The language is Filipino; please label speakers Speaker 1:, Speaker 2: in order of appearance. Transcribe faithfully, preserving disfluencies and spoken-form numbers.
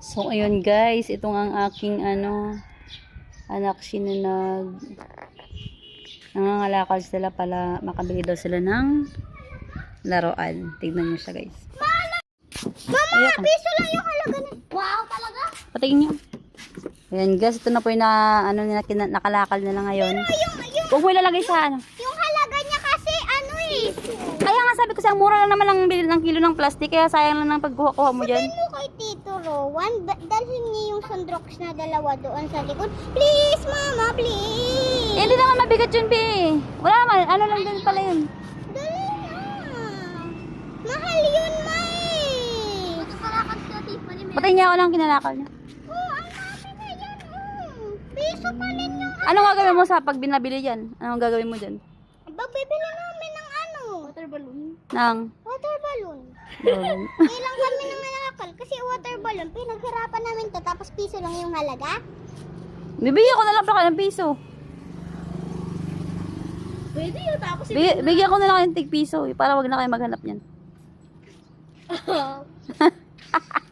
Speaker 1: So, ayun guys, itong ang aking ano, anak sinunag. Nangangalakal sila pala, makabili daw sila ng laruan. Tignan nyo siya guys.
Speaker 2: Mama, piso lang yung halaga na. Wow, talaga?
Speaker 1: Patingin nyo. Ayan guys, ito na po yung na, ano, na, kina- nakalakal nila ngayon.
Speaker 2: Yung, yung,
Speaker 1: Huwag mo ilalagay sa ano.
Speaker 2: yung halaga niya kasi ano eh.
Speaker 1: Kaya nga sabi ko sa mura lang naman ang bili ng kilo ng plastic, kaya sayang lang ng pagkuha-kuha mo dyan.
Speaker 2: Sabihin mo kay Tito Rowan, ba- dalhin niya yung sandrox na dalawa doon sa likod. Please, Mama, please.
Speaker 1: Eh, hindi naman mabigat yun, Bi. Wala naman, ano lang din pala yun.
Speaker 2: Dali na. Mahal yun, May. Matutarakan ka, Tiffany.
Speaker 1: Patay niya ako lang kinalakal niya.
Speaker 2: Oh, ang dami na yan. Oh. Piso pa rin yung
Speaker 1: Anong gagawin mo sa pag binabili dyan? Anong gagawin mo dyan?
Speaker 2: Babibili namin ng ano? Water balloon.
Speaker 1: Nang?
Speaker 2: Water balloon.
Speaker 1: Doon.
Speaker 2: Ilang kami nang nalakal kasi water balloon. Pinaghirapan namin to tapos piso lang yung halaga.
Speaker 1: Bibigyan ko na lang pa kayo ng piso.
Speaker 2: Pwede yun tapos
Speaker 1: Big, bigyan ko na lang kayo ng tig piso eh, para wag na kayo maghanap niyan.